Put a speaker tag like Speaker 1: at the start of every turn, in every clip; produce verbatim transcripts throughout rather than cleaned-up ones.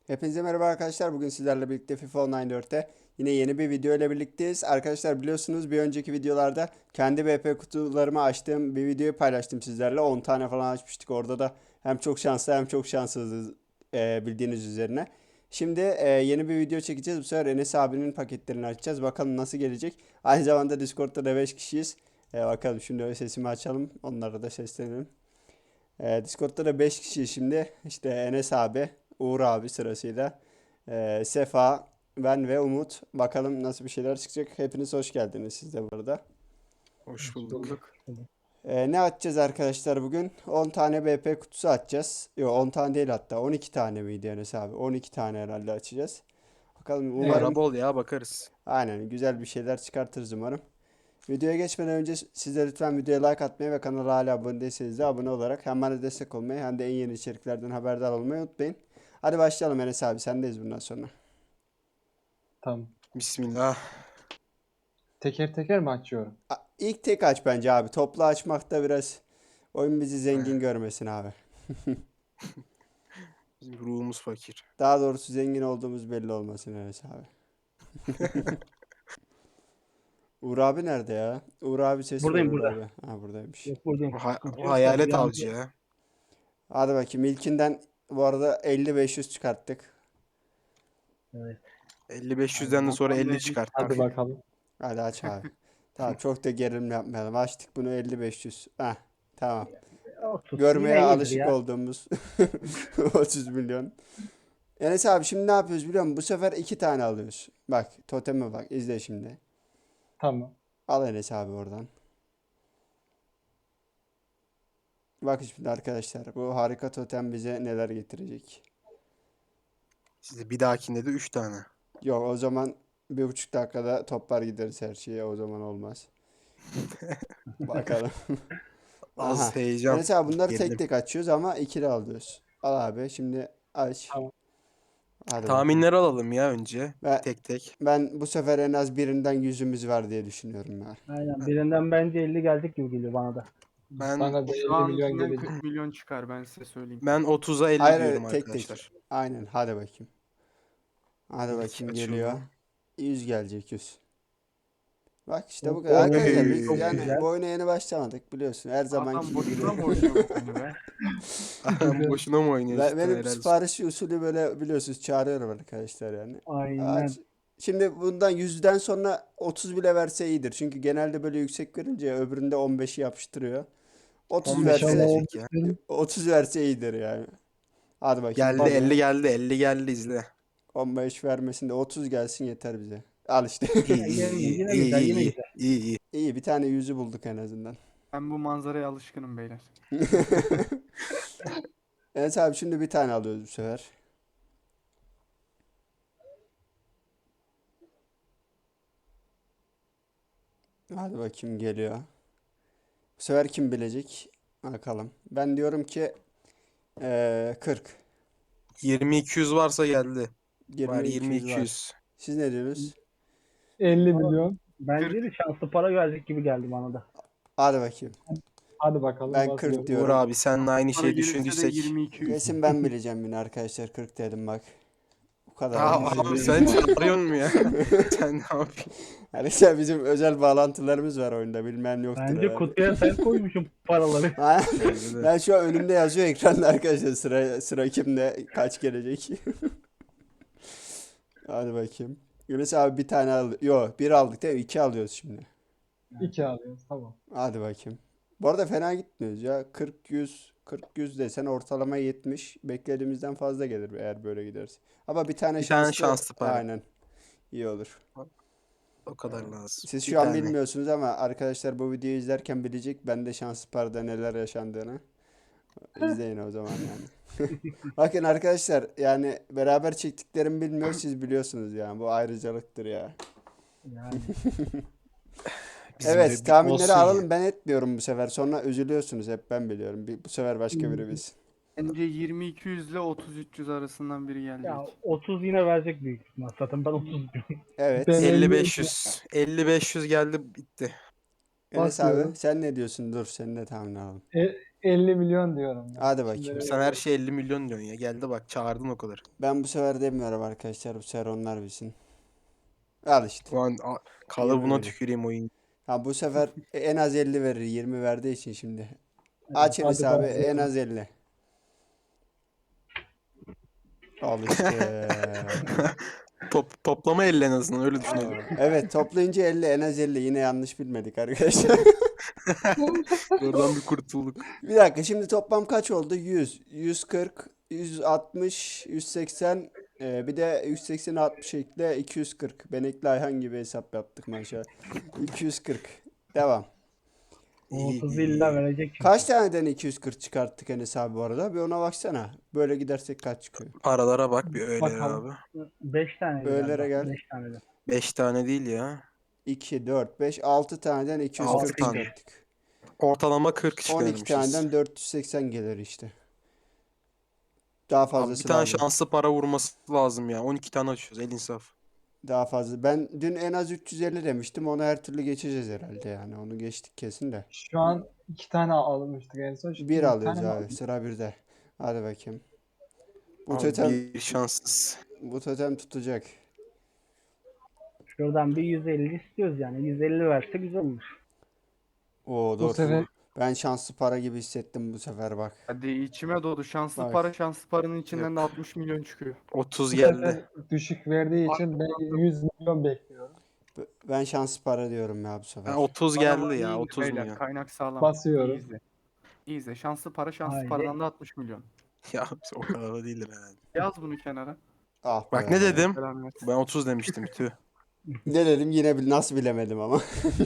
Speaker 1: Hepinize merhaba arkadaşlar. Bugün sizlerle birlikte FIFA Online dörtte yine yeni bir video ile birlikteyiz. Arkadaşlar biliyorsunuz bir önceki videolarda kendi V P kutularımı açtığım bir videoyu paylaştım sizlerle. on tane falan açmıştık. Orada da hem çok şanslı hem çok şanssızız e, bildiğiniz üzerine. Şimdi e, yeni bir video çekeceğiz. Bu sefer Enes abinin paketlerini açacağız. Bakalım nasıl gelecek. Aynı zamanda Discord'da da beş kişiyiz. E, bakalım şimdi sesimi açalım. Onlara da seslenelim. Ee, Discord'da da beş kişi şimdi. İşte Enes abi, Uğur abi sırasıyla. Ee, Sefa, ben ve Umut. Bakalım nasıl bir şeyler çıkacak. Hepiniz hoş geldiniz siz de burada.
Speaker 2: Hoş
Speaker 3: Hoş
Speaker 2: bulduk.
Speaker 3: bulduk.
Speaker 1: Ee, ne açacağız arkadaşlar bugün? on tane B P kutusu açacağız. Yok on tane değil hatta. on iki tane miydi Enes abi? on iki tane herhalde açacağız. Bakalım
Speaker 3: Evet.
Speaker 1: umarım
Speaker 2: Para bol ya, bakarız.
Speaker 1: aynen güzel bir şeyler çıkartırız umarım. Videoya geçmeden önce siz de lütfen videoya like atmayı ve kanala hala abone değilseniz de abone olarak hem bana destek olmayı hem de en yeni içeriklerden haberdar olmayı unutmayın. Hadi başlayalım Enes abi sendeyiz bundan sonra.
Speaker 3: Tamam.
Speaker 2: Bismillah.
Speaker 3: Teker teker mi açıyorum?
Speaker 1: A- İlk tek aç bence abi. Toplu açmakta biraz oyun bizi zengin görmesin abi.
Speaker 2: Bizim ruhumuz fakir.
Speaker 1: Daha doğrusu zengin olduğumuz belli olmasın Enes abi. Uğur abi nerede ya? Uğur abi ses ver
Speaker 4: Buradayım
Speaker 1: Uğur
Speaker 4: burada.
Speaker 1: abi. Ha buradaymış.
Speaker 4: Yok buradayım.
Speaker 2: O, ha-
Speaker 4: Sıkıntı
Speaker 2: o
Speaker 4: yok da
Speaker 2: hayalet
Speaker 4: bir an-
Speaker 2: avcı ya.
Speaker 1: Hadi bakayım ilkinden bu arada elli beş yüz çıkarttık.
Speaker 4: Evet.
Speaker 2: elli beş yüzden de sonra elli çıkarttık.
Speaker 3: Hadi bakalım.
Speaker 1: Hadi aç abi. Tamam çok da gerilim yapmayalım. Açtık bunu elli beş yüz. Heh, tamam.
Speaker 4: Olsun.
Speaker 1: Görmeye
Speaker 4: Yine iyidir
Speaker 1: alışık
Speaker 4: ya.
Speaker 1: olduğumuz otuz milyon. Enes abi şimdi ne yapıyoruz biliyor musun? Bu sefer iki tane alıyoruz. Bak toteme bak izle şimdi.
Speaker 3: Tamam.
Speaker 1: Al Enes abi oradan. Bak şimdi arkadaşlar bu harika totem bize neler getirecek.
Speaker 2: Size bir dahakinde de üç tane.
Speaker 1: Yok o zaman bir buçuk dakikada toplar gideriz her şeye o zaman olmaz. Bakalım.
Speaker 2: Az
Speaker 1: Aha.
Speaker 2: heyecan.
Speaker 1: Enes abi bunları tek
Speaker 2: Gerilim.
Speaker 1: tek açıyoruz ama ikili alıyoruz. Al abi şimdi aç.
Speaker 3: Tamam.
Speaker 1: Hadi bakalım.
Speaker 2: Tahminleri alalım ya önce.
Speaker 1: Ve
Speaker 2: Tek tek.
Speaker 1: ben bu sefer en az birinden yüzümüz var diye düşünüyorum ya.
Speaker 4: Aynen. Birinden bence elli gelecek gibi geliyor bana da.
Speaker 2: Ben
Speaker 3: Bana da
Speaker 5: Şu
Speaker 3: elli milyon
Speaker 5: ankinden
Speaker 3: gelecek.
Speaker 5: kırk milyon çıkar ben size söyleyeyim.
Speaker 2: ben otuza elli
Speaker 1: Hayır
Speaker 2: diyorum
Speaker 1: hayır, tek tek.
Speaker 2: arkadaşlar.
Speaker 1: Aynen hadi bakayım. Hadi
Speaker 2: İlk
Speaker 1: bakayım
Speaker 2: açıldı.
Speaker 1: geliyor. yüz gelecek yüz. Bak işte bu
Speaker 4: Çok-
Speaker 1: kadar.
Speaker 2: Oy,
Speaker 1: Arkadaşlar biz
Speaker 2: çok
Speaker 1: yani
Speaker 4: güzel.
Speaker 1: bu oyuna yeni başlamadık biliyorsun. Her zamanki
Speaker 5: Adam
Speaker 1: gibi
Speaker 5: boşuna mı
Speaker 1: biliyorum.
Speaker 5: oynuyor bu oyunu be?
Speaker 2: Boşuna mı oynuyorsun?
Speaker 1: Ben-
Speaker 2: cidden?
Speaker 1: Benim
Speaker 2: Helal olsun.
Speaker 1: siparişi usulü böyle biliyorsunuz çağırıyorum arkadaşlar yani.
Speaker 4: Aynen.
Speaker 1: Aç. Şimdi bundan yüzden sonra otuz bile verse iyidir. Çünkü genelde böyle yüksek verince öbüründe on beşi yapıştırıyor. otuz
Speaker 2: on beş
Speaker 1: verse
Speaker 2: verecek ya.
Speaker 1: otuz verse iyidir yani. Hadi bakayım.
Speaker 2: Geldi
Speaker 1: geliyor.
Speaker 2: elli geldi. elli geldi izle.
Speaker 1: on beş vermesin de otuz gelsin yeter bize. Al işte.
Speaker 2: İyi iyi
Speaker 4: Yine-
Speaker 2: iyi
Speaker 4: yine
Speaker 2: iyi
Speaker 4: güzel, yine
Speaker 2: iyi
Speaker 4: güzel.
Speaker 2: iyi iyi.
Speaker 1: İyi bir tane yüzü bulduk en azından.
Speaker 5: Ben bu manzaraya alışkınım beyler.
Speaker 1: Evet abi şimdi bir tane alıyoruz bu sefer. Hadi bakayım geliyor. Bu sefer kim bilecek? Bakalım. Ben diyorum ki eee kırk.
Speaker 2: yirmi iki yüz varsa geldi. Var
Speaker 1: yirmi iki
Speaker 2: yirmi
Speaker 1: yüz
Speaker 2: iki
Speaker 1: var.
Speaker 2: yüz.
Speaker 1: Siz ne diyorsunuz?
Speaker 3: elli milyon.
Speaker 4: Bence de şanslı para gelecek gibi geldi bana da.
Speaker 1: Hadi bakayım.
Speaker 3: Hadi bakalım.
Speaker 1: Ben
Speaker 3: basıyorum.
Speaker 1: kırk diyorum.
Speaker 2: Uğur abi seninle aynı
Speaker 5: Para
Speaker 2: şeyi
Speaker 5: gelirse de
Speaker 2: düşündüysek.
Speaker 5: yirmi iki yüz.
Speaker 1: Kesin ben bileceğim yine arkadaşlar. kırk dedim bak. Bu kadar.
Speaker 2: Aa,
Speaker 1: olmaz.
Speaker 2: abi sen çağırıyorsun mu ya? Sen ne yapıyorsun?
Speaker 1: Arkadaşlar bizim özel bağlantılarımız var oyunda. Bilmem yoktur
Speaker 4: Bence
Speaker 1: herhalde.
Speaker 4: kutuya sen koymuşsun paraları.
Speaker 1: Ha?
Speaker 2: Bence de.
Speaker 1: Ben şu an önümde yazıyor ekranda arkadaşlar sıra sıra kimde kaç gelecek. Hadi bakayım. Yunus abi bir tane al. Yo bir aldık değil mi? İki alıyoruz şimdi.
Speaker 3: İki alıyoruz. Tamam.
Speaker 1: Hadi bakayım. Bu arada fena gitmiyoruz ya. kırk yüz kırk yüz desen ortalama yetmiş. Beklediğimizden fazla gelir eğer böyle giderse. Ama bir tane
Speaker 2: Bir tane
Speaker 1: şanslı.
Speaker 2: şanslı para.
Speaker 1: Aynen. İyi olur.
Speaker 2: O kadar lazım.
Speaker 1: Siz
Speaker 2: Bir
Speaker 1: şu an
Speaker 2: tane.
Speaker 1: bilmiyorsunuz ama arkadaşlar bu videoyu izlerken bilecek ben de şanslı parada neler yaşandığını. İzleyin o zaman yani. Bakın arkadaşlar yani beraber çektiklerimi bilmiyor siz biliyorsunuz yani bu ayrıcalıktır ya.
Speaker 4: Yani.
Speaker 2: Bizim de
Speaker 1: Evet
Speaker 2: bir
Speaker 1: tahminleri
Speaker 2: olsun ya.
Speaker 1: alalım ben etmiyorum bu sefer sonra üzülüyorsunuz hep ben biliyorum. Bir- Bu sefer başka biri bilsin.
Speaker 5: Bence yirmi iki yüz ile otuz üç yüz arasından biri gelecek.
Speaker 4: Ya otuz yine verecek büyük ihtimal. Zaten ben otuz diyorum.
Speaker 1: Evet.
Speaker 3: Ben-
Speaker 2: elli beş yüz. elli beş yüz geldi bitti.
Speaker 1: Enes
Speaker 3: Basıyorum.
Speaker 1: abi sen ne diyorsun? Dur senin de tahmin alalım.
Speaker 3: E, elli milyon diyorum. ya.
Speaker 1: Hadi bakayım.
Speaker 3: Şimdi
Speaker 2: Sen her şey elli milyon diyorsun ya. Geldi bak çağırdın o kadar.
Speaker 1: Ben bu sefer demiyorum arkadaşlar. Bu sefer onlar bilsin. Al işte.
Speaker 2: Ulan a- kalıbına
Speaker 1: yirmi
Speaker 2: tüküreyim oyun.
Speaker 1: Ha bu sefer en az elli verir. yirmi verdiği için şimdi.
Speaker 4: Evet,
Speaker 1: Aç Enes
Speaker 4: hadi
Speaker 1: abi
Speaker 4: bakalım.
Speaker 1: en az elli. Al işte.
Speaker 2: Top, toplama elli en azından öyle düşünelim.
Speaker 1: Evet toplayınca elli en az elli. Yine yanlış bilmedik arkadaşlar.
Speaker 2: Oradan bir kurtulduk.
Speaker 1: Bir dakika şimdi toplam kaç oldu? yüz, yüz kırk, yüz altmış, yüz seksen e, bir de yüz sekseni altmış ekle iki yüz kırk. Benekli Ayhan gibi hesap yaptık maşallah. iki yüz kırk. Devam.
Speaker 4: O
Speaker 2: İyi,
Speaker 4: otuz
Speaker 2: iyi.
Speaker 4: illa verecek çünkü.
Speaker 1: Kaç taneden iki yüz kırk çıkarttık Enes abi bu arada? Bir ona baksana. Böyle gidersek kaç çıkıyor?
Speaker 2: Paralara bak bir öyle
Speaker 3: Bakalım.
Speaker 2: abi.
Speaker 4: beş tane.
Speaker 1: Öğlere gel.
Speaker 4: beş tane de.
Speaker 2: beş tane değil ya.
Speaker 1: iki, dört, beş, altı taneden iki yüz kırk
Speaker 2: Altı tane.
Speaker 1: çıkarttık.
Speaker 2: Ortalama kırk
Speaker 1: on iki
Speaker 2: çıkarmışız.
Speaker 1: taneden dört yüz seksen gelir işte. Daha
Speaker 2: Abi bir
Speaker 1: fazlası
Speaker 2: tane
Speaker 1: lazım.
Speaker 2: şanslı para vurması lazım ya. on iki tane açıyoruz el insaf.
Speaker 1: Daha fazla. Ben dün en az üç yüz elli demiştim. Onu her türlü geçeceğiz herhalde yani. Onu geçtik kesin de.
Speaker 3: Şu an iki tane almıştık en son. Şimdi
Speaker 1: Bir
Speaker 3: bir
Speaker 1: alıyoruz
Speaker 3: tane mi
Speaker 1: abi.
Speaker 3: aldık?
Speaker 1: Sıra birde. Hadi bakayım. Bu
Speaker 2: Abi
Speaker 1: totem,
Speaker 2: bir şanssız.
Speaker 1: bu totem tutacak.
Speaker 4: Şuradan bir yüz elli istiyoruz yani. yüz elli verse güzel olur.
Speaker 1: Oo
Speaker 3: Bu
Speaker 1: dur.
Speaker 3: sefer
Speaker 1: Ben şanslı para gibi hissettim bu sefer bak.
Speaker 5: Hadi içime doğdu. Şanslı
Speaker 1: Bak.
Speaker 5: para, şanslı paranın içinden de
Speaker 2: Yok.
Speaker 5: altmış milyon çıkıyor.
Speaker 2: otuz
Speaker 3: bu
Speaker 2: geldi.
Speaker 3: sefer düşük verdiği için ben yüz milyon bekliyorum.
Speaker 1: B- Ben şanslı para diyorum ya bu sefer.
Speaker 2: Ha, otuz
Speaker 5: Bana
Speaker 2: geldi
Speaker 5: bak, iyi
Speaker 2: ya
Speaker 5: izle
Speaker 2: otuz
Speaker 5: beyler,
Speaker 2: milyon.
Speaker 5: Kaynak sağlam.
Speaker 3: Basıyorum.
Speaker 5: İyi izle. İyi izle. Şanslı para, şanslı
Speaker 4: Haydi.
Speaker 5: paradan da altmış milyon.
Speaker 2: Ya o kadar da değildir herhalde.
Speaker 5: Yaz bunu kenara.
Speaker 1: Ah
Speaker 2: Bak
Speaker 1: be.
Speaker 2: ne dedim?
Speaker 5: Selam versin.
Speaker 2: Ben otuz demiştim tüh.
Speaker 1: Ne dedim yine bil- nasıl bilemedim ama.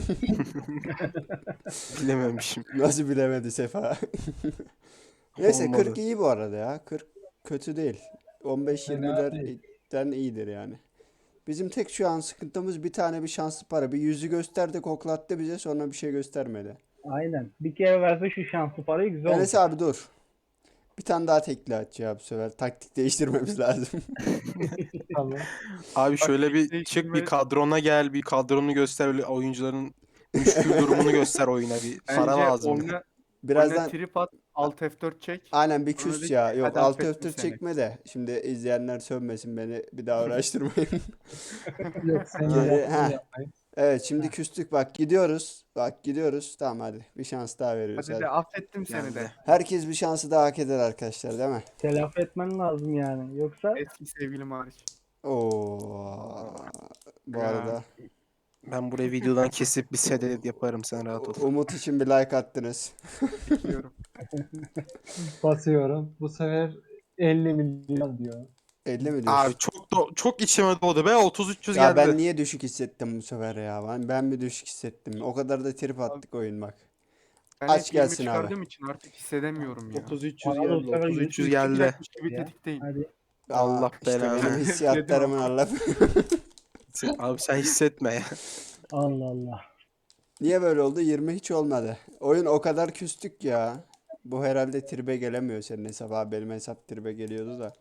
Speaker 2: Bilememişim.
Speaker 1: Nasıl bilemedi Sefa. Neyse
Speaker 2: Olmadı.
Speaker 1: kırk iyi bu arada ya. kırk kötü değil. on beş
Speaker 3: Fena
Speaker 1: yirmilerden iyidir yani. Bizim tek şu an sıkıntımız bir tane bir şanslı para. Bir yüzü gösterdi koklattı bize sonra bir şey göstermedi.
Speaker 4: Aynen. Bir kere verse şu şanslı parayı güzel olur.
Speaker 1: Enes abi dur. Bir tane daha tekli aç ya bu sefer. Taktik değiştirmemiz lazım.
Speaker 3: Tamam.
Speaker 2: Abi şöyle bir
Speaker 5: Taktik
Speaker 2: çık bir
Speaker 5: değiştirme-
Speaker 2: kadrona gel bir kadronu göster öyle oyuncuların müşkül durumunu göster oyuna bir para
Speaker 5: Bence
Speaker 2: lazım.
Speaker 5: oyna, oyna
Speaker 1: Birazdan
Speaker 5: trip at. Alt F dört çek.
Speaker 1: aynen bir
Speaker 5: Sonra
Speaker 1: küs
Speaker 5: de
Speaker 1: ya.
Speaker 5: ki,
Speaker 1: Yok
Speaker 5: hadi
Speaker 1: alt
Speaker 5: affettim
Speaker 1: öftür
Speaker 5: seni.
Speaker 1: çekme de. Şimdi izleyenler sövmesin beni. Bir daha uğraştırmayın.
Speaker 3: Yok sen
Speaker 1: Geri-
Speaker 3: yaptın
Speaker 1: ha.
Speaker 3: yapmayın.
Speaker 1: Evet şimdi küstük bak gidiyoruz. Bak gidiyoruz. Tamam hadi. Bir şans daha veriyoruz.
Speaker 5: Hadi
Speaker 1: Hadi.
Speaker 5: de affettim seni
Speaker 2: Geldi.
Speaker 5: de.
Speaker 1: Herkes bir şansı daha hak eder arkadaşlar değil mi?
Speaker 4: Telafi etmen lazım yani. Yoksa
Speaker 5: Eski sevgilim hariç.
Speaker 1: Oo. Bu
Speaker 5: Ya.
Speaker 1: arada
Speaker 2: Ben burayı videodan kesip bir sedet yaparım sen rahat ol.
Speaker 1: Umut için bir like attınız.
Speaker 5: Bekliyorum.
Speaker 3: Basıyorum. Bu sefer elli milyon diyor.
Speaker 1: elli mi diyorsun?
Speaker 2: Abi çok da, çok içime doğdu be otuz üç yüz
Speaker 1: Ya
Speaker 2: geldi.
Speaker 1: ben niye düşük hissettim bu sefer ya? Ben, ben bir düşük hissettim. O kadar da trip attık oyun bak.
Speaker 5: Ben
Speaker 1: Aç
Speaker 5: hep yirmi
Speaker 1: gelsin abi.
Speaker 5: çıkardığım için artık hissedemiyorum ya.
Speaker 2: otuz üç yüz
Speaker 4: Bana da
Speaker 2: geldi
Speaker 4: sana
Speaker 2: otuz üç yüz
Speaker 5: yüz
Speaker 2: geldi.
Speaker 5: çıkacakmış gibi
Speaker 4: Ya.
Speaker 5: tetikteyim.
Speaker 4: hadi.
Speaker 2: Allah
Speaker 1: Aa, işte
Speaker 2: belanı.
Speaker 1: benim hissiyatlarımın Allah.
Speaker 2: Abi sen hissetme ya.
Speaker 4: Allah Allah.
Speaker 1: Niye böyle oldu? yirmi hiç olmadı. Oyun o kadar küstük ya. Bu herhalde tribe gelemiyor senin hesap abi. Benim hesap tribe geliyordu da.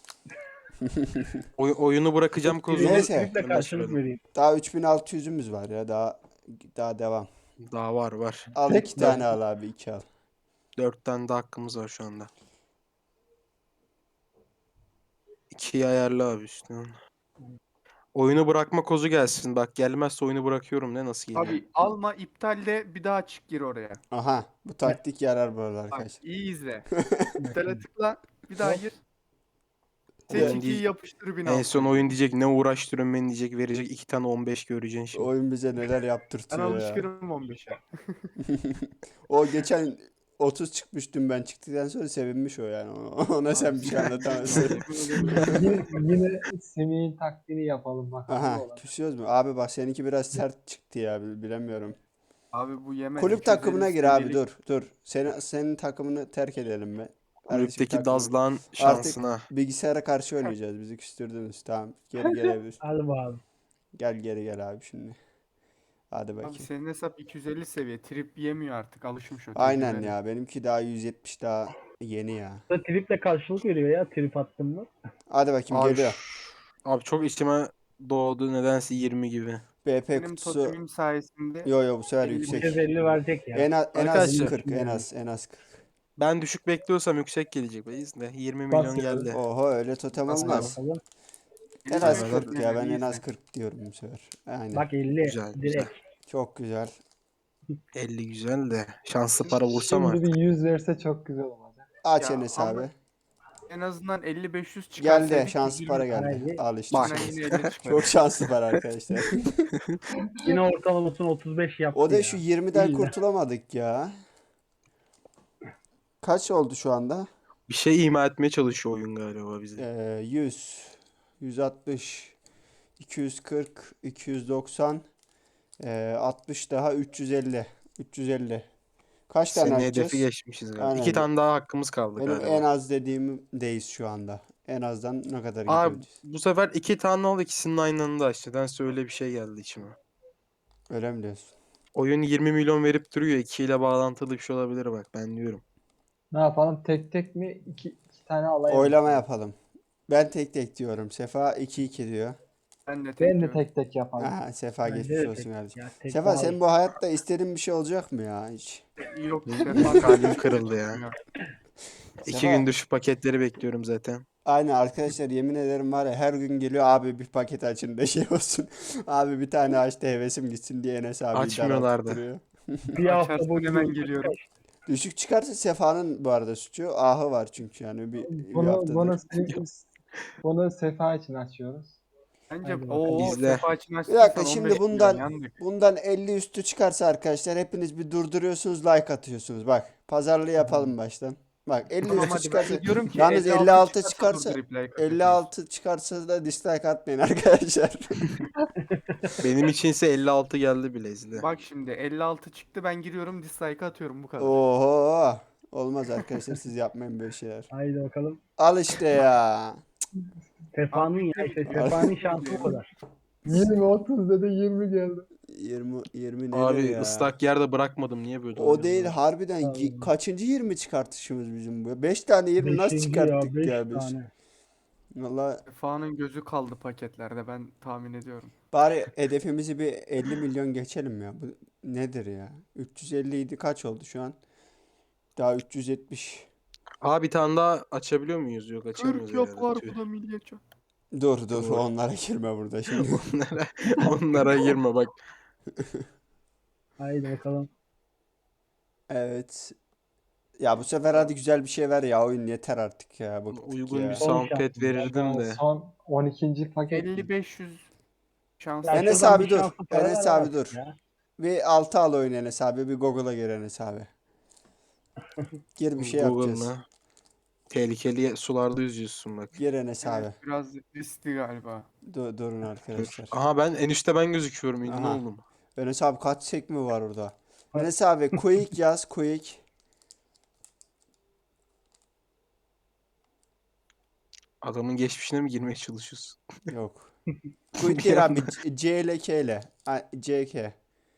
Speaker 2: Oy- oyunu bırakacağım kozunu.
Speaker 1: Neyse.
Speaker 4: Trip'le
Speaker 2: Ben de
Speaker 4: karşılık
Speaker 2: söyledim.
Speaker 4: vereyim.
Speaker 1: Daha üç bin altı yüzümüz var ya. Daha daha devam.
Speaker 2: Daha var var.
Speaker 1: Al
Speaker 3: Tek
Speaker 1: iki tane al abi. iki al.
Speaker 2: Dört tane de hakkımız var şu anda. İkiyi ayarla abi üstüne. Oyunu bırakma kozu gelsin. Bak gelmezse oyunu bırakıyorum ne nasıl geliyor?
Speaker 5: Abi alma, iptalle bir daha çık gir oraya.
Speaker 1: Aha. Bu taktik yarar böyle
Speaker 5: Bak
Speaker 1: arkadaşlar.
Speaker 5: iyi izle. İptale tıkla bir daha gir.
Speaker 2: Oyun
Speaker 5: Seç ikiyi
Speaker 2: değil.
Speaker 5: yapıştır bin
Speaker 2: En
Speaker 5: altı.
Speaker 2: son oyun diyecek ne uğraştırıyorum beni diyecek verecek iki tane on beş göreceksin şimdi.
Speaker 1: Oyun bize neler
Speaker 5: Ben
Speaker 1: yaptırtıyor ya.
Speaker 5: alışkınım on beşe.
Speaker 1: O geçen otuz çıkmış dün ben çıktıktan sonra sevinmiş o yani. Ona sen bir şey anlatamazsın.
Speaker 3: Yine, yine Semih'in taktiğini yapalım bakalım. ne
Speaker 1: Aha
Speaker 3: olacak.
Speaker 1: küsüyoruz mu? Abi bak seninki biraz sert çıktı ya bil- bilemiyorum.
Speaker 5: Abi bu yemez.
Speaker 1: Kulüp
Speaker 5: iki yüz elli
Speaker 1: takımına gir abi
Speaker 5: seviyelik-
Speaker 1: dur dur. Senin, senin takımını terk edelim mi? Kardeşim
Speaker 2: Kulüpteki
Speaker 1: takımı-
Speaker 2: Dazlan şansına.
Speaker 1: Bilgisayara karşı oynayacağız. Bizi küstürdünüz. Tamam. Geri gelebilir.
Speaker 4: Hadi bakalım.
Speaker 1: Gel geri gel abi şimdi. Hadi
Speaker 5: Abi
Speaker 1: bakayım.
Speaker 5: senin hesap iki yüz elli seviye. Trip yemiyor artık. Alışmış o.
Speaker 1: Aynen
Speaker 5: tecrübeli.
Speaker 1: ya. Benimki daha yüz yetmiş daha yeni ya.
Speaker 4: Bu da trip'le karşılık veriyor ya trip attın mı?
Speaker 1: Hadi bakayım
Speaker 2: Abi,
Speaker 1: geliyor.
Speaker 2: şu- abi çok içime doğdu nedense yirmi gibi.
Speaker 1: B P
Speaker 5: Benim
Speaker 1: kutusu.
Speaker 5: totemim sayesinde
Speaker 1: Yo yo bu sefer
Speaker 5: elli
Speaker 1: yüksek.
Speaker 4: yüz elli verecek ya.
Speaker 1: En az en az
Speaker 2: Arkadaşlar.
Speaker 1: kırk en az en az kırk.
Speaker 2: Ben düşük bekliyorsam yüksek gelecek be izle. yirmi milyon
Speaker 3: Basıyoruz.
Speaker 2: geldi.
Speaker 1: Oho öyle totem
Speaker 2: Bas
Speaker 1: olmaz.
Speaker 4: Bakalım.
Speaker 1: En az
Speaker 2: Evet.
Speaker 1: kırk ya, ben en
Speaker 5: İyisin.
Speaker 1: az kırk diyorum bu sefer. Aynen.
Speaker 4: Bak elli
Speaker 2: Güzel, güzel.
Speaker 4: direkt.
Speaker 1: Çok güzel.
Speaker 2: elli güzel de şanslı para vursam
Speaker 3: Şimdi
Speaker 2: artık.
Speaker 3: bir yüz verse çok güzel olacak.
Speaker 1: Aç
Speaker 5: Ya
Speaker 1: Enes
Speaker 5: ama
Speaker 1: abi.
Speaker 5: en azından elli beş yüz çıkarsaydık
Speaker 1: Geldi. Şanslı
Speaker 5: yüz yirmi
Speaker 1: para geldi.
Speaker 4: Haydi.
Speaker 1: Al işte.
Speaker 2: Bak.
Speaker 5: içinden yine elli çıkmadı.
Speaker 1: Çok şanslı para arkadaşlar.
Speaker 4: Yine ortalamasını otuz beş yaptı
Speaker 1: O da
Speaker 4: ya.
Speaker 1: şu yirmiden
Speaker 4: İlla.
Speaker 1: kurtulamadık ya. Kaç oldu şu anda?
Speaker 2: Bir şey ima etmeye çalışıyor oyun galiba bize.
Speaker 1: Ee, yüz, yüz altmış, iki yüz kırk, iki yüz doksan, ee, altmış daha üç yüz elli. üç yüz elli. Kaç tane
Speaker 2: Senin
Speaker 1: açacağız?
Speaker 2: hedefi geçmişiz galiba.
Speaker 1: Aynen.
Speaker 2: İki tane daha hakkımız kaldı
Speaker 1: Benim
Speaker 2: galiba.
Speaker 1: en az dediğimdeyiz şu anda. En azdan ne kadar
Speaker 2: Abi
Speaker 1: gidiyoruz?
Speaker 2: bu sefer iki tane oldu, ikisinin aynı anda açtı. Nedense öyle bir şey geldi içime.
Speaker 1: Öyle mi diyorsun?
Speaker 2: Oyun yirmi milyon verip duruyor. iki ile bağlantılı bir şey olabilir bak ben diyorum.
Speaker 3: Ne yapalım? Tek tek mi? İki, iki tane alayım.
Speaker 1: Oylama yapalım. Ben tek tek diyorum. Sefa iki iki diyor.
Speaker 5: Ben de tek
Speaker 3: Ben de
Speaker 5: diyorum.
Speaker 3: tek tek yapalım.
Speaker 1: Aha, Sefa
Speaker 4: Bence
Speaker 1: geçmiş
Speaker 4: de
Speaker 1: olsun
Speaker 4: tek-
Speaker 1: kardeşim.
Speaker 4: ya tek
Speaker 1: Sefa
Speaker 4: daha
Speaker 1: sen
Speaker 4: iyi.
Speaker 1: bu hayatta istediğin bir şey olacak mı ya hiç?
Speaker 5: Yok.
Speaker 2: Kalbim kırıldı ya. İki
Speaker 1: Sefa-
Speaker 2: gündür şu paketleri bekliyorum zaten.
Speaker 1: Aynen arkadaşlar, yemin ederim var ya, her gün geliyor abi bir paket açın da şey olsun. Abi bir tane aç da hevesim gitsin diye Enes abi
Speaker 2: Açmıyorlardı.
Speaker 1: duruyor.
Speaker 4: Bir hafta
Speaker 5: Açarsın
Speaker 4: boyunca
Speaker 5: hemen geliyorum.
Speaker 1: Düşük çıkarsa Sefa'nın bu arada suçu. Ahı var çünkü yani bir, bir
Speaker 3: Bunu,
Speaker 1: haftadır.
Speaker 3: bunu, bunu Sefa için açıyoruz.
Speaker 5: Bence
Speaker 4: Hadi
Speaker 5: o
Speaker 2: bakalım. İzle.
Speaker 5: Sefa için
Speaker 1: Bir
Speaker 5: açtıysan
Speaker 1: dakika
Speaker 5: on
Speaker 1: şimdi
Speaker 5: beş milyon
Speaker 1: bundan
Speaker 5: yandık.
Speaker 1: bundan elli üstü çıkarsa arkadaşlar hepiniz bir durduruyorsunuz, like atıyorsunuz. Bak pazarlığı yapalım baştan. Bak elli
Speaker 5: Tamam
Speaker 1: üstü
Speaker 5: hadi ben
Speaker 1: çıkarsa
Speaker 5: de diyorum ki
Speaker 1: yalnız
Speaker 5: elli altı
Speaker 1: elli altı
Speaker 5: çıkarsa
Speaker 1: çıkarsa
Speaker 5: durdurup like atıyorsunuz.
Speaker 1: elli altı çıkarsa da dislike atmayın arkadaşlar.
Speaker 2: Benim içinse elli altı geldi bile izle.
Speaker 5: Bak şimdi elli altı çıktı, ben giriyorum dislike atıyorum bu kadar.
Speaker 1: Oho. Olmaz arkadaşlar, siz yapmayın böyle şeyler.
Speaker 4: Haydi bakalım.
Speaker 1: Al işte ya.
Speaker 4: Sefa'nın ya işte Sefa'nın şansı bu kadar.
Speaker 3: yirmi otuz dedi yirmi geldi.
Speaker 1: yirmi yirmi nedir
Speaker 2: Abi
Speaker 1: ya?
Speaker 2: ıslak yerde bırakmadım niye böyle
Speaker 1: O
Speaker 2: oluyor
Speaker 1: değil
Speaker 2: ya?
Speaker 1: harbiden gi- kaçıncı yirmi çıkartışımız bizim bu? beş tane yirmi nasıl
Speaker 4: Beşinci
Speaker 1: çıkarttık
Speaker 4: beş
Speaker 1: ya biz?
Speaker 4: tane.
Speaker 1: Valla
Speaker 5: Sefa'nın gözü kaldı paketlerde, ben tahmin ediyorum.
Speaker 1: bari hedefimizi bir elli milyon geçelim ya. Bu nedir ya? üç yüz elli idi, kaç oldu şu an? Daha üç yüz yetmiş.
Speaker 2: Abi bir tane daha açabiliyor muyuz? Yok açamıyoruz
Speaker 5: kırk yap
Speaker 2: herhalde.
Speaker 5: var
Speaker 2: Tüh.
Speaker 5: bu da milliyetçi.
Speaker 1: Dur dur
Speaker 2: Doğru.
Speaker 1: onlara girme burada şimdi.
Speaker 2: Onlara, onlara girme bak.
Speaker 4: Haydi bakalım.
Speaker 1: Evet. Ya bu sefer hadi güzel bir şey ver ya, oyun yeter artık ya, bıktık
Speaker 2: Uygun
Speaker 1: ya.
Speaker 2: bir
Speaker 4: Son
Speaker 2: soundpad
Speaker 4: şansımız.
Speaker 2: verirdim de.
Speaker 3: Son on ikinci paket.
Speaker 5: elli beş yüz şans.
Speaker 4: Ya
Speaker 1: Enes
Speaker 4: şuradan
Speaker 1: abi
Speaker 4: bir
Speaker 1: dur.
Speaker 4: şanslı para
Speaker 1: Enes
Speaker 4: ver
Speaker 1: abi
Speaker 4: artık
Speaker 1: dur.
Speaker 4: ya.
Speaker 1: Bir altı al oyun Enes abi. Bir Google'a gir Enes abi. Gir bir şey yapacağız.
Speaker 2: Google'la. Tehlikeli sularda yüzüyorsun bak.
Speaker 1: Gir Enes abi.
Speaker 5: Evet, biraz riskli galiba.
Speaker 1: Dur, durun arkadaşlar.
Speaker 2: Aha ben en üstte ben gözüküyorum. İlgin
Speaker 1: Aha.
Speaker 2: oldum.
Speaker 1: Enes abi kaç sekme var orada? Enes abi quick yaz, quick.
Speaker 2: Adamın geçmişine mi girmeye çalışıyorsun?
Speaker 1: Yok. Quick değil abi. C C ile K ile. A- C K.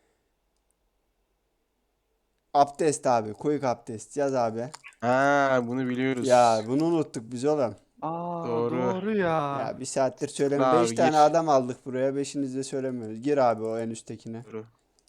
Speaker 1: Abdest abi. Quick abdest. Yaz abi.
Speaker 2: Ha bunu biliyoruz.
Speaker 1: Ya bunu unuttuk biz oğlum.
Speaker 5: Aa
Speaker 2: Doğru.
Speaker 5: doğru, ya.
Speaker 1: Ya bir saattir söyleme.
Speaker 2: Abi
Speaker 1: Beş tane
Speaker 2: gir.
Speaker 1: adam aldık buraya. Beşiniz de söylemiyoruz. Gir abi o en üsttekine.
Speaker 2: Doğru.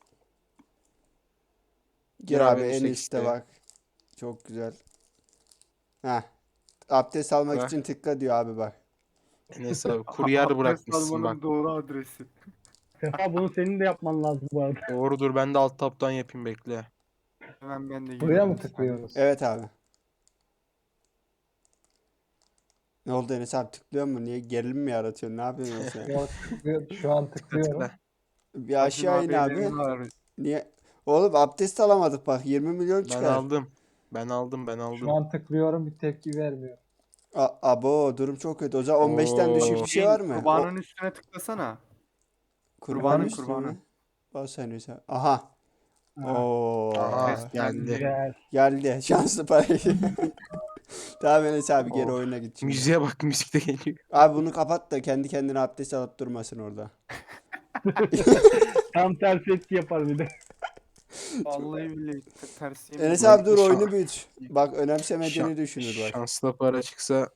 Speaker 1: Gir
Speaker 2: Gir
Speaker 1: abi
Speaker 2: abi en
Speaker 1: en
Speaker 2: üstteki
Speaker 1: üstte
Speaker 2: siteye.
Speaker 1: bak. Çok güzel. Heh. Abdest almak
Speaker 2: Bak.
Speaker 1: için tıkla diyor abi bak.
Speaker 2: Enes abi kuryer
Speaker 5: Abdest
Speaker 2: bırakmışsın
Speaker 5: almanın
Speaker 2: bak.
Speaker 5: doğru adresi.
Speaker 4: Sefa bunu senin de yapman lazım bu arada.
Speaker 2: Doğrudur ben de alt taptan yapayım bekle.
Speaker 5: Hemen ben de
Speaker 3: Buraya
Speaker 5: giriyorum
Speaker 3: mı
Speaker 5: bir saniye.
Speaker 3: tıklıyoruz?
Speaker 1: Evet abi. Ne oldu Enes abi, tıklıyor mu? Niye gerilim mi yaratıyorsun? Ne yapıyorsun sen?
Speaker 3: Yok, tıklıyor- Şu an tıklıyorum.
Speaker 2: Tıkla.
Speaker 1: Bir aşağı in
Speaker 5: Acun
Speaker 1: abi.
Speaker 5: ellerini ağrıyor.
Speaker 1: Niye? Oğlum abdest alamadık bak. yirmi milyon
Speaker 2: Ben
Speaker 1: çıkar.
Speaker 2: aldım. Ben aldım ben aldım.
Speaker 3: Şu an tıklıyorum bir tepki vermiyor.
Speaker 1: A- abo durum çok kötü. O zaman on beşten düşük
Speaker 2: Oo.
Speaker 1: bir şey var mı?
Speaker 5: Kurbanın üstüne tıklasana.
Speaker 1: O, kurbanın
Speaker 5: kurbanın,
Speaker 1: üstüne
Speaker 5: kurbanın.
Speaker 1: mi? Bas Enes abi. Aha. Oo.
Speaker 2: Aha
Speaker 5: Evet,
Speaker 2: geldi.
Speaker 4: Güzel.
Speaker 1: Geldi. Şanslı parayı. Tamam Enes abi geri
Speaker 2: Of.
Speaker 1: oyuna git şimdi.
Speaker 2: Müziğe bak müzik de geliyor.
Speaker 1: Abi bunu kapat da kendi kendine abdest alıp durmasın orada.
Speaker 4: Tam tersi etki yapar bir de.
Speaker 5: Vallahi billahi te- ters yemin
Speaker 1: Enes
Speaker 5: ediyorum.
Speaker 1: abi dur
Speaker 2: Şan-
Speaker 1: oyunu büyüt. Bak önemsemediğini
Speaker 2: Şan-
Speaker 1: düşünür bak.
Speaker 2: Şanslı para çıksa.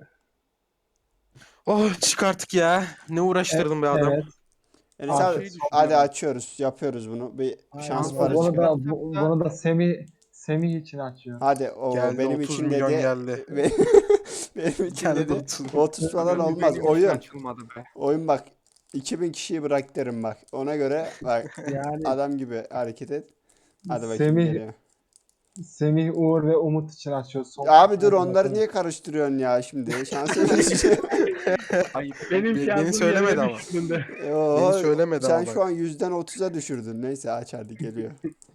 Speaker 2: Oh çıkarttık ya. Ne uğraştırdın be adam.
Speaker 3: Evet.
Speaker 1: Enes
Speaker 3: Aa,
Speaker 1: abi
Speaker 5: şey düşünüyorum.
Speaker 1: hadi açıyoruz. Yapıyoruz bunu. Bir
Speaker 4: Aynen.
Speaker 1: şans
Speaker 4: Bunu
Speaker 1: para
Speaker 3: Bunu
Speaker 1: çıkar.
Speaker 3: da, bu- bunu da Semih Semih için açıyorum.
Speaker 1: Hadi o
Speaker 2: Geldi
Speaker 1: benim
Speaker 2: otuz
Speaker 1: için
Speaker 2: milyon
Speaker 1: dedi.
Speaker 2: geldi.
Speaker 1: Be- benim için
Speaker 2: Geldi
Speaker 1: dedi.
Speaker 2: otuz.
Speaker 1: otuz falan
Speaker 5: Benim
Speaker 1: olmaz.
Speaker 5: için
Speaker 1: Oyun.
Speaker 5: açılmadı be.
Speaker 1: Oyun bak. iki bin kişiyi bırak derim bak. Ona göre bak
Speaker 4: Yani
Speaker 1: adam gibi hareket et. Hadi bakayım
Speaker 3: Semih,
Speaker 1: geliyor.
Speaker 3: Semih, Uğur ve Umut için açıyoruz. Son
Speaker 1: Abi dur
Speaker 3: kartlara
Speaker 1: onları
Speaker 3: bakalım.
Speaker 1: niye karıştırıyorsun ya şimdi? Şansa bir şey.
Speaker 5: Ayıp.
Speaker 4: benim
Speaker 2: Be-
Speaker 4: şansım
Speaker 2: beni söylemedi
Speaker 4: yerine
Speaker 2: ama.
Speaker 4: düştüğünde.
Speaker 1: Oho,
Speaker 2: Beni söylemedi
Speaker 1: sen
Speaker 2: ama
Speaker 1: şu
Speaker 2: bak.
Speaker 1: an yüzden otuza düşürdün. Neyse aç hadi geliyor.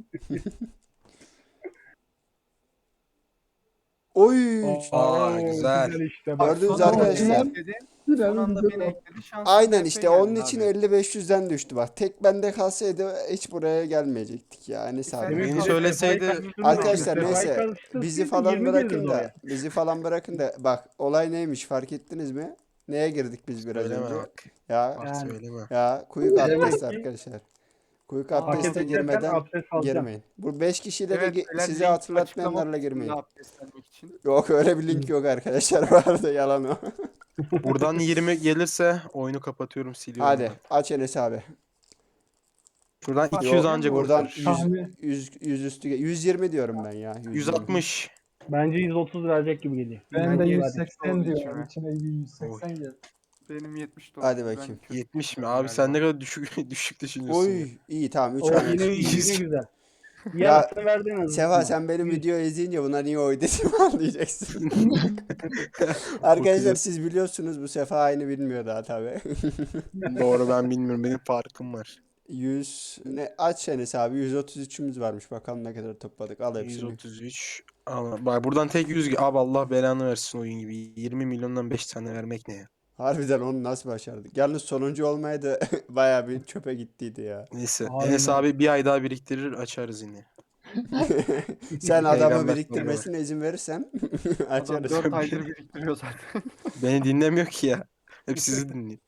Speaker 1: Oy.
Speaker 2: Aa, güzel.
Speaker 4: işte. Bak,
Speaker 1: Gördünüz
Speaker 5: Son anda
Speaker 1: arkadaşlar.
Speaker 5: beni ekledi.
Speaker 3: Biraz
Speaker 5: Son anda
Speaker 3: güzel
Speaker 5: beni
Speaker 3: oldu.
Speaker 5: ekledi. Şanslı
Speaker 1: Aynen
Speaker 5: B P
Speaker 1: işte
Speaker 5: geldi
Speaker 1: onun
Speaker 5: abi.
Speaker 1: için elli beş yüzden düştü bak. Tek bende kalsaydı hiç buraya gelmeyecektik ya. Ne
Speaker 5: Sen
Speaker 1: abi.
Speaker 2: Beni
Speaker 5: de
Speaker 2: söyleseydi-
Speaker 5: Sefa'yı kaçırdın
Speaker 1: Arkadaşlar
Speaker 5: abi.
Speaker 1: neyse
Speaker 4: Sefa'yı karıştırsaydın
Speaker 1: bizi falan
Speaker 4: yirmi
Speaker 1: bırakın
Speaker 4: gelirdi
Speaker 1: da
Speaker 4: oraya.
Speaker 1: bizi falan bırakın da bak olay neymiş fark ettiniz mi? Neye girdik biz biraz
Speaker 2: Söyleme
Speaker 1: önce?
Speaker 2: bak.
Speaker 1: Ya
Speaker 2: Bak
Speaker 4: Yani.
Speaker 2: söyleme.
Speaker 1: ya kuyuk abdest
Speaker 4: Demek ki-
Speaker 1: arkadaşlar. Kuyuk
Speaker 5: Aa,
Speaker 1: abdeste
Speaker 4: Paket edersen
Speaker 1: girmeden
Speaker 4: abdest alacağım.
Speaker 1: girmeyin. Bu beş kişiyle de
Speaker 5: Evet,
Speaker 1: gi-
Speaker 5: beyler,
Speaker 1: sizi
Speaker 5: link
Speaker 1: hatırlatmayanlarla
Speaker 5: açıklama
Speaker 1: girmeyin.
Speaker 5: kısmında abdestlenmek için.
Speaker 1: Yok öyle bir link yok arkadaşlar. Vardı yalan o.
Speaker 2: Buradan yirmi gelirse oyunu kapatıyorum, siliyorum.
Speaker 1: Hadi
Speaker 2: ben.
Speaker 1: aç Enes abi.
Speaker 2: Şuradan
Speaker 5: Yok,
Speaker 2: iki yüz ancak
Speaker 1: buradan
Speaker 2: kurtarır.
Speaker 3: Tahmin-
Speaker 1: yüz, yüz üstü yüz yirmi diyorum ben ya. yüz yirmi.
Speaker 2: yüz altmış.
Speaker 4: Bence yüz otuz verecek gibi geliyor.
Speaker 3: Ben de
Speaker 5: yetmiş
Speaker 3: yüz seksen
Speaker 5: oldu
Speaker 3: diyorum.
Speaker 5: içime.
Speaker 3: İçine bir yüz seksen geldi.
Speaker 5: Benim yetmiş de
Speaker 1: Hadi
Speaker 5: oldu. Ben
Speaker 1: bakayım.
Speaker 5: kötü
Speaker 2: yetmiş mi?
Speaker 5: düşünüyorum
Speaker 2: Abi sen
Speaker 5: galiba.
Speaker 2: ne kadar düşük düşük düşünüyorsun ya.
Speaker 1: Oy iyi tamam üç
Speaker 4: O
Speaker 1: tane.
Speaker 4: yine,
Speaker 2: Yüz.
Speaker 4: yine güzel.
Speaker 1: Ya,
Speaker 4: Yarısını verdin en azından.
Speaker 1: Seva sen benim
Speaker 4: Yüz.
Speaker 1: videoyu izleyince buna niye oy dediğimi anlayacaksın. Arkadaşlar siz biliyorsunuz bu Sefa aynı bilmiyor daha tabi.
Speaker 2: Doğru, ben bilmiyorum. Benim farkım var.
Speaker 1: yüz ne aç Enes abi yüz otuz üçümüz varmış bakalım ne kadar topladık al
Speaker 2: yüz
Speaker 1: hepsini.
Speaker 2: otuz üç. Ama bak buradan tek yüz. Abi Allah belanı versin oyun gibi. yirmi milyondan beş tane vermek ne ya?
Speaker 1: Harbiden onu nasıl başardık? Yalnız sonuncu olmaya da bayağı bir çöpe gittiydi ya.
Speaker 2: Neyse.
Speaker 3: Aynen.
Speaker 2: Enes abi bir ay daha biriktirir, açarız yine.
Speaker 1: Sen adamı
Speaker 2: Peygamber
Speaker 1: biriktirmesine izin verirsen
Speaker 5: Adam
Speaker 1: açarız.
Speaker 5: dört aydır biriktiriyor zaten.
Speaker 2: Beni dinlemiyor ki ya. Hep sizi dinliyor.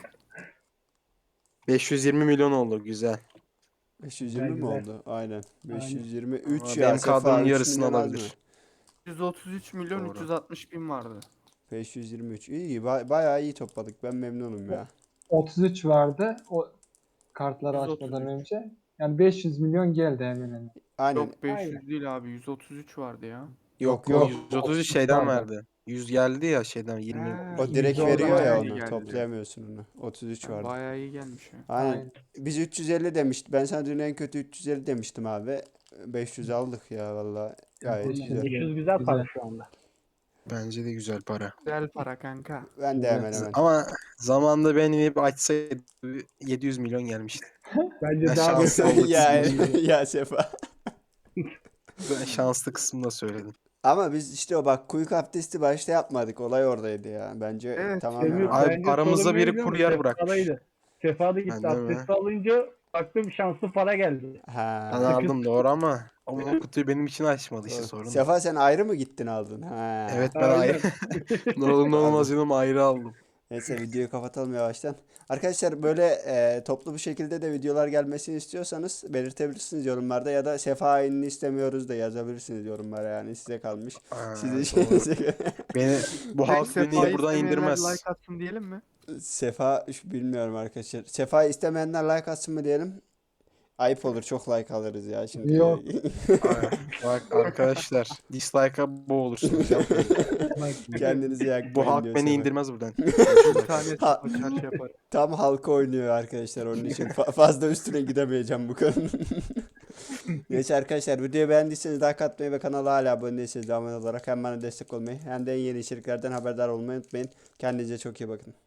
Speaker 2: beş yüz yirmi milyon oldu, güzel.
Speaker 1: beş yüz yirmi mi
Speaker 4: Güzel,
Speaker 1: oldu? Aynen. beş yüz yirmi üç
Speaker 2: Ama
Speaker 1: ya.
Speaker 2: benim
Speaker 1: Sefa
Speaker 2: kadronun
Speaker 1: üç
Speaker 2: yarısını
Speaker 1: milyon az mı?
Speaker 2: alabilir.
Speaker 5: yüz otuz üç milyon
Speaker 2: Doğru.
Speaker 5: üç yüz altmış bin vardı.
Speaker 1: beş yüz yirmi üç. İyi, ba- bayağı iyi topladık. Ben memnunum ya.
Speaker 3: otuz üç vardı o kartları
Speaker 5: yüz otuz
Speaker 3: açmadan
Speaker 5: üç.
Speaker 3: önce. Yani beş yüz milyon geldi hemen hemen.
Speaker 1: Aynen.
Speaker 5: Yok beş yüz
Speaker 3: Aynen.
Speaker 5: değil abi, yüz otuz üç vardı ya.
Speaker 1: Yok
Speaker 2: O
Speaker 1: yok.
Speaker 2: yüz otuz üç şeyden
Speaker 3: vardı.
Speaker 2: verdi. yüz geldi ya şeyden yirmi.
Speaker 5: Ha,
Speaker 1: O direkt
Speaker 3: yüz
Speaker 1: veriyor ya
Speaker 5: bayağı
Speaker 1: onu.
Speaker 5: iyi geldi.
Speaker 1: Toplayamıyorsun onu. otuz üç vardı.
Speaker 5: Bayağı iyi gelmiş ya.
Speaker 1: Aynen.
Speaker 3: Aynen.
Speaker 1: Biz üç yüz elli demiştik. Ben sana dün en kötü üç yüz elli demiştim abi. beş yüz aldık ya valla. Gayet
Speaker 3: beş yüz.
Speaker 1: güzel.
Speaker 4: beş yüz güzel para
Speaker 3: Güzel.
Speaker 4: şu anda.
Speaker 2: Bence de güzel para.
Speaker 5: Güzel para kanka.
Speaker 1: Ben de hemen hemen.
Speaker 2: Ama zamanda benim hep açsaydı yedi yüz milyon gelmişti.
Speaker 4: Bence
Speaker 2: Ya
Speaker 4: daha
Speaker 2: şanslı
Speaker 4: beter
Speaker 2: olduk
Speaker 1: ya,
Speaker 2: biz
Speaker 1: ya Sefa.
Speaker 2: Ben şanslı kısmında söyledim.
Speaker 1: Ama biz işte o bak kuyuk abdesti başta yapmadık. Olay oradaydı ya. Bence
Speaker 5: Evet,
Speaker 1: tamamen
Speaker 4: Semih,
Speaker 1: o.
Speaker 2: Abi
Speaker 4: bence
Speaker 2: aramızda
Speaker 4: sorun
Speaker 2: biri
Speaker 4: ne biliyor musun?
Speaker 2: kuryer bırakmış.
Speaker 4: Sefa'daydı. Sefa da gitti.
Speaker 2: Bende mi?
Speaker 4: Abdest alınca baktım şanslı para geldi.
Speaker 1: Ha.
Speaker 2: Ben aldım doğru ama o kutuyu benim için açmadı işte
Speaker 1: Doğru.
Speaker 2: sorun. o.
Speaker 1: Sefa sen ayrı mı gittin aldın? Ha.
Speaker 2: Evet ben
Speaker 4: Aynen.
Speaker 2: ayrı. Ne olur ne olmaz yanım ayrı aldım.
Speaker 1: Neyse videoyu kapatalım yavaştan. Arkadaşlar böyle e, toplu bir şekilde de videolar gelmesini istiyorsanız belirtebilirsiniz yorumlarda ya da Sefa aynını istemiyoruz da yazabilirsiniz yorumlara yani size kalmış.
Speaker 2: Aa,
Speaker 1: Sizin
Speaker 2: doğru.
Speaker 1: şeyinize göre.
Speaker 2: Beni bu halk
Speaker 5: Sefa'yı
Speaker 2: beni buradan
Speaker 5: istemeyenler
Speaker 2: indirmez.
Speaker 5: Like atsın diyelim mi?
Speaker 1: Sefa şu- bilmiyorum arkadaşlar. Sefa'yı istemeyenler like atsın mı diyelim? Ayıp olur çok like alırız ya şimdi.
Speaker 3: Yok.
Speaker 2: Aa, Bak arkadaşlar dislike'a boğulursunuz. Yapmayın.
Speaker 1: Kendinizi yakmayın
Speaker 2: Bu halk
Speaker 1: diyor
Speaker 2: beni
Speaker 1: Sefa.
Speaker 2: indirmez buradan.
Speaker 5: Bir tane
Speaker 1: Ha-
Speaker 5: açar şey yapar.
Speaker 1: Tam halka oynuyor arkadaşlar onun için. Fa- fazla üstüne gidemeyeceğim bu konunun. Neyse arkadaşlar videoyu beğendiyseniz like atmayı ve kanala hala abone değilseniz de abone olarak hem bana destek olmayı hem de en yeni içeriklerden haberdar olmayı unutmayın. Kendinize çok iyi bakın.